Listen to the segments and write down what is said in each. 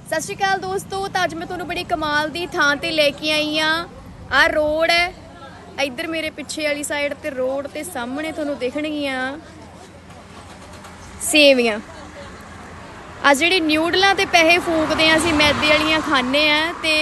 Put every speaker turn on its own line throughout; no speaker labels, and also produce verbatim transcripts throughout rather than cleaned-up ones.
सत श्री अकाल दोस्तों। तो अज मैं तुहानू बड़ी कमाल दी थां ते लेके आई हाँ। आ रोड है, इधर मेरे पिछे वाली साइड ते रोड ते सामने तुहानू दिखणगियां सेवियां। आ जिहड़ी न्यूडलां ते पैसे फूकदे आ असीं मैदे वालियां खाने आ ते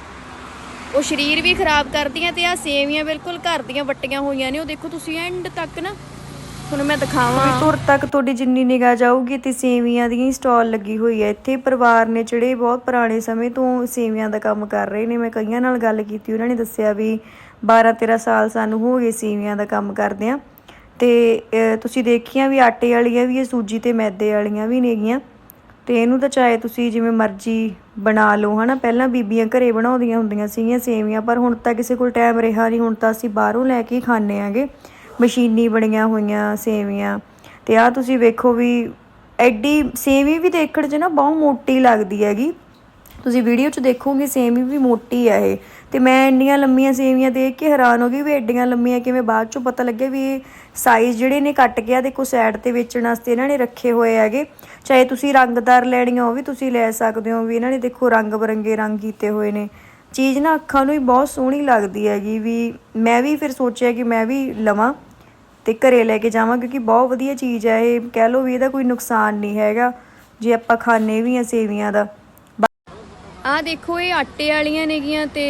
ਉਹ शरीर भी खराब करदियां ते आ सेवियां बिल्कुल घर दियां वट्टियां होईयां ने। ਉਹ देखो तुसीं एंड तक ना ਤੁਹਾਨੂੰ मैं दिखावां तुर तक तुहाडी जिन्नी निगाह जाऊगी ते सेवियां दी स्टॉल लगी हुई है। इत्थे परिवार ने ਜਿਹੜੇ बहुत पुराने समय तो सेवियां ਦਾ ਕੰਮ कर रहे ने। मैं कईयां नाल गल कीती, उन्हां ने दस्सिया भी बारह तेरह साल सानू हो गए सेवियां ਦਾ ਕੰਮ करदियां ते तुसीं देखियां भी आटे वालियां भी सूजी ते मैदे वालियां भी नेगियां ਤੇ ਇਹਨੂੰ ਤਾਂ ਚਾਹੇ ਤੁਸੀਂ ਜਿਵੇਂ ਮਰਜ਼ੀ ਬਣਾ ਲਓ ਹਨਾ। ਪਹਿਲਾਂ ਬੀਬੀਆਂ ਘਰੇ ਬਣਾਉਂਦੀਆਂ ਹੁੰਦੀਆਂ ਸੀਗੀਆਂ ਸੇਵੀਆਂ, ਪਰ ਹੁਣ ਤਾਂ ਕਿਸੇ ਕੋਲ ਟਾਈਮ ਰਿਹਾ ਨਹੀਂ। ਹੁਣ ਤਾਂ ਅਸੀਂ ਬਾਹਰੋਂ ਲੈ ਕੇ ਖਾਂਦੇ ਆਂਗੇ ਮਸ਼ੀਨੀ ਬਣੀਆਂ ਹੋਈਆਂ ਸੇਵੀਆਂ। ਤੇ ਆਹ ਤੁਸੀਂ ਵੇਖੋ ਵੀ ਐਡੀ ਸੇਵੀ ਵੀ ਦੇਖਣ 'ਚ ਨਾ ਬਹੁਤ ਮੋਟੀ ਲੱਗਦੀ ਹੈਗੀ। ਤੁਸੀਂ ਵੀਡੀਓ 'ਚ ਦੇਖੋਗੇ ਸੇਵੀ ਵੀ ਮੋਟੀ ਆ ਇਹ। ਤੇ ਮੈਂ ਇੰਨੀਆਂ ਲੰਮੀਆਂ ਸੇਵੀਆਂ ਦੇਖ ਕੇ ਹੈਰਾਨ ਹੋ ਗਈ ਵੀ ਐਡੀਆਂ ਲੰਮੀਆਂ ਕਿਵੇਂ। ਬਾਅਦ 'ਚੋਂ ਪਤਾ ਲੱਗਿਆ ਵੀ ਇਹ ਸਾਈਜ਼ ਜਿਹੜੇ ਨੇ ਕੱਟ ਕੇ ਦੇਖੋ ਸਾਈਡ 'ਤੇ ਵੇਚਣ ਵਾਸਤੇ ਇਹਨਾਂ ਨੇ ਰੱਖੇ ਹੋਏ ਹੈਗੇ। ਚਾਹੇ ਤੁਸੀਂ ਰੰਗਦਾਰ ਲੈਣੀਆਂ ਉਹ ਵੀ ਤੁਸੀਂ ਲੈ ਸਕਦੇ ਹੋ। ਵੀ ਇਹਨਾਂ ਨੇ ਦੇਖੋ ਰੰਗ ਬਰੰਗੇ ਰੰਗ ਕੀਤੇ ਹੋਏ ਨੇ। ਚੀਜ਼ ਨਾ ਅੱਖਾਂ ਨੂੰ ਵੀ ਬਹੁਤ ਸੋਹਣੀ ਲੱਗਦੀ ਹੈਗੀ। ਵੀ ਮੈਂ ਵੀ ਫਿਰ ਸੋਚਿਆ ਕਿ ਮੈਂ ਵੀ ਲਵਾਂ ਤੇ ਘਰੇ ਲੈ ਕੇ ਜਾਵਾਂ, ਕਿਉਂਕਿ ਬਹੁਤ ਵਧੀਆ ਚੀਜ਼ ਹੈ ਇਹ। ਕਹਿ ਲਓ ਵੀ ਇਹਦਾ ਕੋਈ ਨੁਕਸਾਨ ਨਹੀਂ ਹੈਗਾ ਜੇ ਆਪਾਂ ਖਾਂਦੇ ਵੀ ਆ ਸੇਵੀਆਂ ਦਾ। ਆਹ ਦੇਖੋ ਇਹ ਆਟੇ ਵਾਲੀਆਂ ਨੇਗੀਆਂ ਤੇ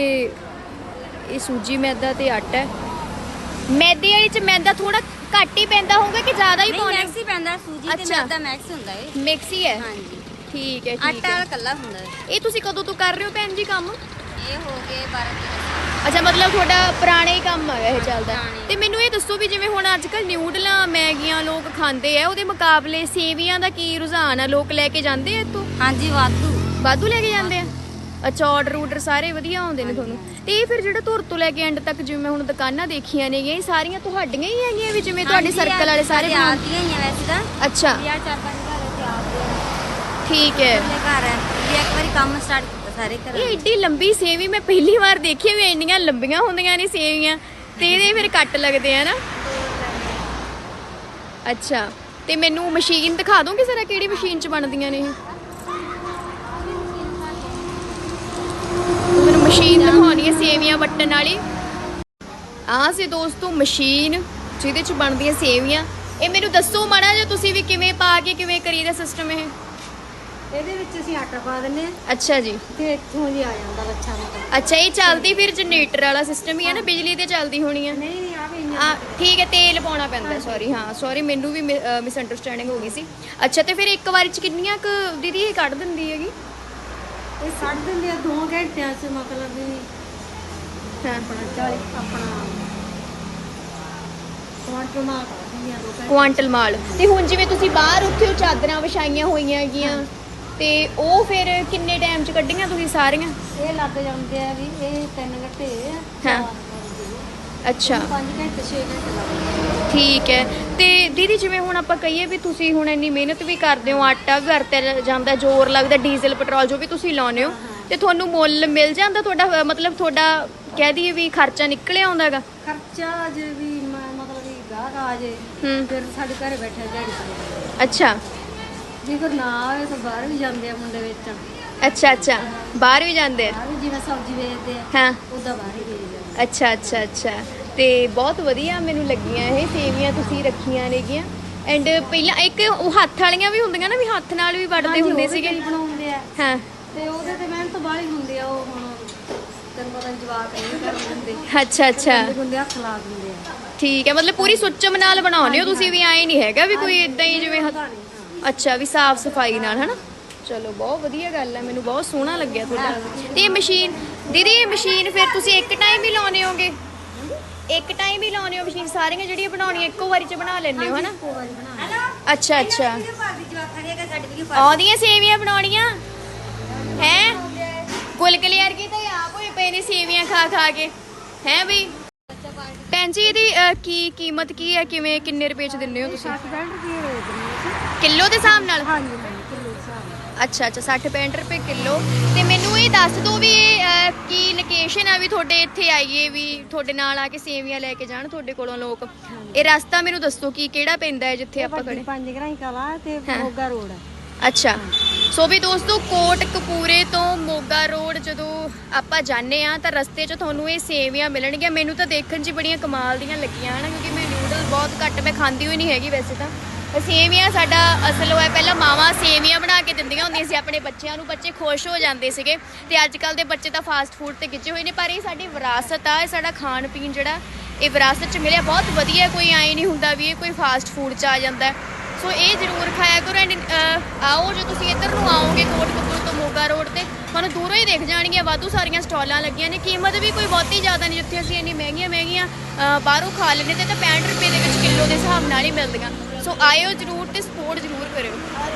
ਇਹ ਸੂਜੀ ਮੈਦਾ ਤੇ ਆਟਾ ਹੈ। ਮੈਦੇ ਵਾਲੀ ਚ ਮੈਦਾ ਥੋੜਾ ਘੱਟ ਹੀ ਪੈਂਦਾ ਹੋਊਗਾ ਕਿ ਜ਼ਿਆਦਾ ਹੀ ਪਾਉਣਾ?
ਮੈਕਸ ਹੀ ਪੈਂਦਾ, ਸੂਜੀ ਤੇ ਮੈਦਾ ਮੈਕਸ ਹੁੰਦਾ ਏ।
ਮਿਕਸ ਹੀ ਹੈ।
ਹਾਂਜੀ
ਠੀਕ ਹੈ, ਠੀਕ
ਆਟਾ
ਹੈ।
ਕੱਲਾ ਹੁੰਦਾ।
ਇਹ ਤੁਸੀਂ ਕਦੋਂ ਤੋਂ ਕਰ ਰਹੇ ਹੋ ਭੈਣ ਜੀ ਕੰਮ?
ਇਹ ਹੋ ਗਏ ਬਾਰਾਂ ਤੇਰਾਂ।
ਅੱਛਾ, ਮਤਲਬ ਤੁਹਾਡਾ ਪੁਰਾਣਾ ਹੀ ਕੰਮ ਹੈਗਾ ਇਹ ਚੱਲਦਾ। ਤੇ ਮੈਨੂੰ ਇਹ ਦੱਸੋ ਵੀ ਜਿਵੇਂ ਹੁਣ ਅੱਜ ਕੱਲ੍ਹ ਨਿਊਡਲਾਂ ਮੈਗੀਆਂ ਲੋਕ ਖਾਂਦੇ ਆ, ਉਹਦੇ ਮੁਕਾਬਲੇ ਸੇਵੀਆਂ ਦਾ ਕੀ ਰੁਝਾਨ ਆ? ਲੋਕ ਲੈ ਕੇ ਜਾਂਦੇ ਆ ਇੱਥੋਂ?
ਹਾਂਜੀ ਵਾਧੂ
ਵਾਧੂ ਲੈ ਕੇ ਜਾਂਦੇ ਆ। ਅੱਛਾ, ਆਰਡਰ ਆਰਡਰ ਸਾਰੇ ਵਧੀਆ ਆਉਂਦੇ ਨੇ ਤੁਹਾਨੂੰ? ਤੇ ਇਹ ਫਿਰ ਜਿਹੜਾ ਧੁਰ ਤੋਂ ਲੈ ਕੇ ਐਂਡ ਤੱਕ ਜਿਵੇਂ ਹੁਣ ਦੁਕਾਨਾਂ ਦੇਖੀਆਂ ਨੇਗੀਆਂ, ਇਹ ਸਾਰੀਆਂ ਤੁਹਾਡੀਆਂ ਹੀ ਹੈਗੀਆਂ ਵੀ ਜਿਵੇਂ ਤੁਹਾਡੇ ਸਰਕਲ ਵਾਲੇ ਸਾਰੇ
ਆਦੀਆਂ ਹੀ ਆ ਵੈਸੇ ਤਾਂ।
ਅੱਛਾ,
ਯਾਰ ਚਾਰ ਪੰਜ ਘਰ ਇੱਥੇ ਆਉਂਦੇ।
ਠੀਕ ਹੈ।
ਘਰ ਹੈ ਇਹ ਇੱਕ ਵਾਰੀ ਕੰਮ ਸਟਾਰਟ ਕੀਤਾ ਸਾਰੇ ਘਰ।
ਇਹ ਏਡੀ ਲੰਬੀ ਸੇਵੀ ਮੈਂ ਪਹਿਲੀ ਵਾਰ ਦੇਖੀ ਵੀ ਇੰਨੀਆਂ ਲੰਬੀਆਂ ਹੁੰਦੀਆਂ ਨੇ ਸੇਵੀਆਂ ਤੇ ਇਹਦੇ ਫਿਰ ਕੱਟ ਲੱਗਦੇ ਆ ਨਾ। ਅੱਛਾ, ਤੇ ਮੈਨੂੰ ਮਸ਼ੀਨ ਦਿਖਾ ਦੋਗੇ ਜ਼ਰਾ ਕਿਹੜੀ ਮਸ਼ੀਨ 'ਚ ਬਣਦੀਆਂ ਨੇ ਇਹ? ਮੈਨੂੰ ਮਸ਼ੀਨ ਦਿਖਾਉਣੀ ਹੈ ਸੇਵੀਆਂ ਵੱਟਣ ਵਾਲੀ। ਆਹ ਸੀ ਦੋਸਤੋ ਮਸ਼ੀਨ ਜਿਹਦੇ 'ਚ ਬਣਦੀਆਂ ਸੇਵੀਆਂ। ਇਹ ਮੈਨੂੰ ਦੱਸੋ ਮਾੜਾ ਜਿਹਾ ਤੁਸੀਂ ਵੀ ਕਿਵੇਂ ਪਾ ਕੇ ਕਿਵੇਂ ਕਰੀਦਾ ਸਿਸਟਮ ਇਹ?
ਇਹਦੇ ਵਿੱਚ ਅਸੀਂ ਆਟਾ ਪਾ ਦਿੰਨੇ ਆ।
ਅੱਛਾ ਜੀ।
ਤੇ ਇੱਥੋਂ ਜੀ ਆ ਜਾਂਦਾ ਲੱਛਾ ਮਤਲਬ।
ਅੱਛਾ, ਇਹ ਚੱਲਦੀ ਫਿਰ ਜਨਰੇਟਰ ਵਾਲਾ ਸਿਸਟਮ ਹੀ ਹੈ ਨਾ, ਬਿਜਲੀ ਤੇ ਚੱਲਦੀ ਹੋਣੀ ਆ?
ਨਹੀਂ ਨਹੀਂ ਆ ਵੀ
ਆ ਠੀਕ ਹੈ, ਤੇਲ ਪਾਉਣਾ ਪੈਂਦਾ। ਸੌਰੀ, ਹਾਂ ਸੌਰੀ, ਮੈਨੂੰ ਵੀ ਮਿਸ ਅੰਡਰਸਟੈਂਡਿੰਗ ਹੋ ਗਈ ਸੀ। ਅੱਛਾ, ਤੇ ਫਿਰ ਇੱਕ ਵਾਰੀ 'ਚ ਕਿੰਨੀਆਂ ਕੁ ਦੀਦੀ ਇਹ ਕੱਢ ਦਿੰਦੀ ਹੈਗੀ?
ਇਹ ਕੱਢ ਦਿੰਦੇ ਆ ਦੋ ਘੰਟਿਆਂ 'ਚ ਮਤਲਬ ਵੀ।
ਹਾਂ,
ਆਪਣਾ ਚਾਲੀ ਆਪਣਾ ਕੁਆਂਟਲ ਮਾਲ ਕੱਢ ਦਿੰਦੇ ਆ ਦੋ ਘੰਟੇ।
ਕੁਆਂਟਲ ਮਾਲ। ਤੇ ਹੁਣ ਜਿਵੇਂ ਤੁਸੀਂ ਬਾਹਰ ਉੱਥੇ ਉਹ ਚਾਦਰਾਂ ਵਿਛਾਈਆਂ ਹੋਈਆਂ ਹੈਗੀਆਂ ਤੇ ਉਹ ਫਿਰ ਕਿੰਨੇ ਟਾਈਮ 'ਚ ਕੱਢੀਆਂ ਤੁਸੀਂ ਸਾਰੀਆਂ?
ਇਹ ਲੱਗ ਜਾਂਦੇ ਆ ਵੀ ਇਹ ਤਿੰਨ ਘੰਟੇ ਆ।
ਹਾਂ, ਅੱਛਾ,
ਪੰਜ ਘੰਟੇ ਛੇ ਘੰਟੇ ਲੱਗਦੇ।
ਠੀਕ ਹੈ। ਤੇ ਦੀਦੀ ਜਿਵੇਂ ਹੁਣ ਆਪਾਂ ਕਹੀਏ ਵੀ ਤੁਸੀਂ ਹੁਣ ਇੰਨੀ ਮਿਹਨਤ ਵੀ ਕਰਦੇ ਹੋ, ਆਟਾ ਵੀ ਵਰਤਿਆ ਜਾਂਦਾ, ਜ਼ੋਰ ਲੱਗਦਾ, ਡੀਜ਼ਲ ਪੈਟਰੋਲ ਜੋ ਵੀ ਤੁਸੀਂ ਲਾਉਂਦੇ ਹੋ, ਤੇ ਤੁਹਾਨੂੰ ਮੁੱਲ ਮਿਲ ਜਾਂਦਾ ਤੁਹਾਡਾ? ਮਤਲਬ ਤੁਹਾਡਾ ਕਹਿ ਦਈਏ ਵੀ ਖਰਚਾ ਨਿਕਲਿਆ ਆਉਂਦਾ ਹੈਗਾ?
ਖਰਚਾ ਜੇ ਵੀ ਮ- ਮਤਲਬ ਵੀ ਗਾਹਕ ਆ ਜੇ
ਹੂੰ,
ਫਿਰ ਸਾਡੇ ਘਰੇ ਬੈਠੇ ਦਿਹਾੜੀ ਕਰਦੇ।
ਅੱਛਾ
ਜੇ ਕੋਈ ਨਾ ਆਵੇ ਤਾਂ ਬਾਹਰ ਵੀ ਜਾਂਦੇ ਆ ਮੁੰਡੇ ਵੇਚਣ।
ਅੱਛਾ ਅੱਛਾ, ਬਾਹਰ ਵੀ ਜਾਂਦੇ ਆ?
ਬਾਹਰ ਵੀ ਜਿਵੇਂ ਸਬਜ਼ੀ ਵੇਚਦੇ ਆ
ਹਾਂ,
ਉਦਾਂ ਬਾਹਰ ਹੀ ਵੇਚਦੇ ਆ।
ਅੱਛਾ ਅੱਛਾ ਅੱਛਾ। ਤੇ ਬਹੁਤ ਵਧੀਆ ਮੈਨੂੰ ਲੱਗੀਆਂ ਇਹ ਸੇਵੀਆਂ ਤੁਸੀਂ ਰੱਖੀਆਂ ਨੇਗੀਆਂ। ਐਂਡ ਪਹਿਲਾਂ ਇੱਕ ਉਹ ਹੱਥ ਵਾਲੀਆਂ ਵੀ ਹੁੰਦੀਆਂ ਨਾ, ਵੀ ਹੱਥ ਨਾਲ ਵੀ ਵੱਢਦੇ ਹੁੰਦੇ ਸੀਗੇ।
ਬਣਾਉਂਦੇ ਆ
ਹਾਂ,
ਤੇ ਉਹਦੇ ਤੇ ਮਿਹਨਤ ਬਾਹਲੀ ਹੁੰਦੀ ਆ। ਉਹ ਹੁਣ ਤੈਨੂੰ ਪਤਾ ਜਵਾਕ ਨਹੀਂ ਕਰ ਦਿੰਦੇ।
ਅੱਛਾ ਅੱਛਾ,
ਗੁੰਦੇ ਹੱਥ ਲਾ ਦਿੰਦੇ ਆ।
ਠੀਕ ਹੈ। ਮਤਲਬ ਪੂਰੀ ਸੁੱਚਮ ਨਾਲ ਬਣਾਉਂਦੇ ਹੋ ਤੁਸੀਂ ਵੀ? ਆਏ ਨਹੀਂ ਹੈਗਾ ਵੀ ਕੋਈ ਇਦਾਂ ਹੀ ਜਿਵੇਂ ਹੱਥ- ਅੱਛਾ, ਵੀ ਸਾਫ਼ ਸਫਾਈ ਨਾਲ ਹਨਾ। ਚਲੋ ਬਹੁਤ ਵਧੀਆ ਗੱਲ ਹੈ, ਮੈਨੂੰ ਬਹੁਤ ਸੋਹਣਾ ਲੱਗਿਆ ਤੁਹਾਡਾ। ਤੇ ਇਹ ਮਸ਼ੀਨ ਦੀਦੀ, ਇਹ ਮਸ਼ੀਨ ਫਿਰ ਤੁਸੀਂ ਇੱਕ ਟਾਈਮ ਹੀ ਲਾਉਣੇ ਹੋਗੇ? ਇੱਕ ਟਾਈਮ ਹੀ ਲਾਉਣੇ ਹੋ ਮਸ਼ੀਨ? ਸਾਰੀਆਂ ਜਿਹੜੀਆਂ ਬਣਾਉਣੀਆਂ ਇੱਕੋ ਵਾਰੀ 'ਚ ਬਣਾ ਲੈਂਦੇ ਹੋ ਹਨਾ? ਅੱਛਾ ਅੱਛਾ। ਆਉਂਦੀਆਂ ਸੇਵੀਆਂ ਬਣਾਉਣੀਆਂ ਹੈ? ਗੁਲਗੁਲੇ ਵਰਗੀ ਤਾਂ ਆਪ ਹੋਏ ਪਏ ਨੇ ਸੇਵੀਆਂ ਖਾ ਖਾ ਕੇ ਹੈ ਬਈ। ਭੈਣ ਜੀ ਇਹਦੀ ਅਹ, ਕੀ ਕੀਮਤ ਕੀ ਹੈ? ਕਿਵੇਂ ਕਿੰਨੇ ਰੁਪਏ 'ਚ ਦਿੰਦੇ ਹੋ ਤੁਸੀਂ? ਕਿਲੋ ਦੇ ਹਿਸਾਬ ਨਾਲ?
ਹਾਂਜੀ ਹਾਂਜੀ ਕਿਲੋ ਦੇ ਹਿਸਾਬ ਨਾਲ।
ਅੱਛਾ ਅੱਛਾ, ਸੱਠ ਪੈਂਹਠ ਰੁਪਏ ਕਿਲੋ। ਤੇ ਮੈਨੂੰ ਇਹ ਦੱਸ ਦਿਓ ਵੀ ਇਹ ਅਹ, ਕੀ ਲੋਕੇਸ਼ਨ ਆ ਵੀ ਤੁਹਾਡੇ ਇੱਥੇ ਆਈਏ ਵੀ ਤੁਹਾਡੇ ਨਾਲ ਆ ਕੇ ਸੇਵੀਆਂ ਲੈ ਕੇ ਜਾਣ ਤੁਹਾਡੇ ਕੋਲੋਂ ਲੋਕ? ਇਹ ਰਸਤਾ ਮੈਨੂੰ ਦੱਸੋ ਕੀ ਕਿਹੜਾ ਪੈਂਦਾ ਹੈ ਜਿੱਥੇ ਆਪਾਂ ਖੜੇ?
ਪੰਜ ਗਰਾਈ ਕਲਾ ਤੇ ਮੋਗਾ ਰੋਡ ਹੈ।
ਅੱਛਾ, ਸੋ ਵੀ ਦੋਸਤੋ ਕੋਟਕਪੂਰੇ ਤੋਂ ਮੋਗਾ ਰੋਡ ਜਦੋਂ ਆਪਾਂ ਜਾਂਦੇ ਆ ਤਾਂ ਰਸਤੇ 'ਚ ਤੁਹਾਨੂੰ ਇਹ ਸੇਵੀਆਂ ਮਿਲਣਗੀਆਂ। ਮੈਨੂੰ ਤਾਂ ਦੇਖਣ 'ਚ ਬੜੀਆਂ ਕਮਾਲ ਦੀਆਂ ਲੱਗੀਆਂ ਹਨ ਕਿਉਂਕਿ ਮੈਂ ਨਿਊਡਲ ਬਹੁਤ ਘੱਟ ਮੈਂ ਖਾਂਦੀ ਹੋਈ ਨਹੀਂ ਹੈਗੀ ਵੈਸੇ ਤਾਂ। ਸੇਵੀਆਂ ਸਾਡਾ ਅਸਲ ਹੋਇਆ ਪਹਿਲਾਂ ਮਾਵਾਂ ਸੇਵੀਆਂ ਬਣਾ ਕੇ ਦਿੰਦੀਆਂ ਹੁੰਦੀਆਂ ਸੀ ਆਪਣੇ ਬੱਚਿਆਂ ਨੂੰ, ਬੱਚੇ ਖੁਸ਼ ਹੋ ਜਾਂਦੇ ਸੀਗੇ। ਤੇ ਅੱਜ ਕੱਲ੍ਹ ਦੇ ਬੱਚੇ ਤਾਂ ਫਾਸਟ ਫੂਡ ਤੇ ਖਿੱਚੇ ਹੋਏ ਨੇ, ਪਰ ਇਹ ਸਾਡੀ ਵਿਰਾਸਤ ਆ, ਇਹ ਸਾਡਾ ਖਾਣ ਪੀਣ ਜਿਹੜਾ ਇਹ ਵਿਰਾਸਤ 'ਚ ਮਿਲਿਆ ਬਹੁਤ ਵਧੀਆ। ਕੋਈ ਐਂ ਨਹੀਂ ਹੁੰਦਾ ਵੀ ਇਹ ਕੋਈ ਫਾਸਟ ਫੂਡ 'ਚ ਆ ਜਾਂਦਾ। ਸੋ ਇਹ ਜ਼ਰੂਰ ਖਾਇਆ ਕਰੋ। ਐਂਡ ਆਓ ਜੇ ਤੁਸੀਂ ਇੱਧਰ ਨੂੰ ਆਓਗੇ ਕੋਟਕਪੂਰੇ ਤੋਂ ਮੋਗਾ ਰੋਡ ਤੇ ਤੁਹਾਨੂੰ ਦੂਰੋਂ ਹੀ ਦਿਖ ਜਾਣਗੀਆਂ ਵਾਧੂ ਸਾਰੀਆਂ ਸਟਾਲਾਂ ਲੱਗੀਆਂ ਨੇ। ਕੀਮਤ ਵੀ ਕੋਈ ਬਹੁਤੀ ਜ਼ਿਆਦਾ ਨਹੀਂ, ਜਿੱਥੇ ਅਸੀਂ ਇੰਨੀ ਮਹਿੰਗੀਆਂ ਮਹਿੰਗੀਆਂ ਬਾਹਰੋਂ ਖਾ ਲੈਂਦੇ ਤੇ ਤਾਂ ਪੈਂਹਠ ਰੁਪਏ ਦੇ ਵਿੱਚ ਕਿਲੋ ਦੇ ਹਿਸਾਬ ਨਾਲ ਹੀ ਮਿਲਦੀਆਂ। ਸੋ ਆਇਓ ਜ਼ਰੂਰ ਤੇ ਸਪੋਰਟ ਜ਼ਰੂਰ ਕਰਿਓ।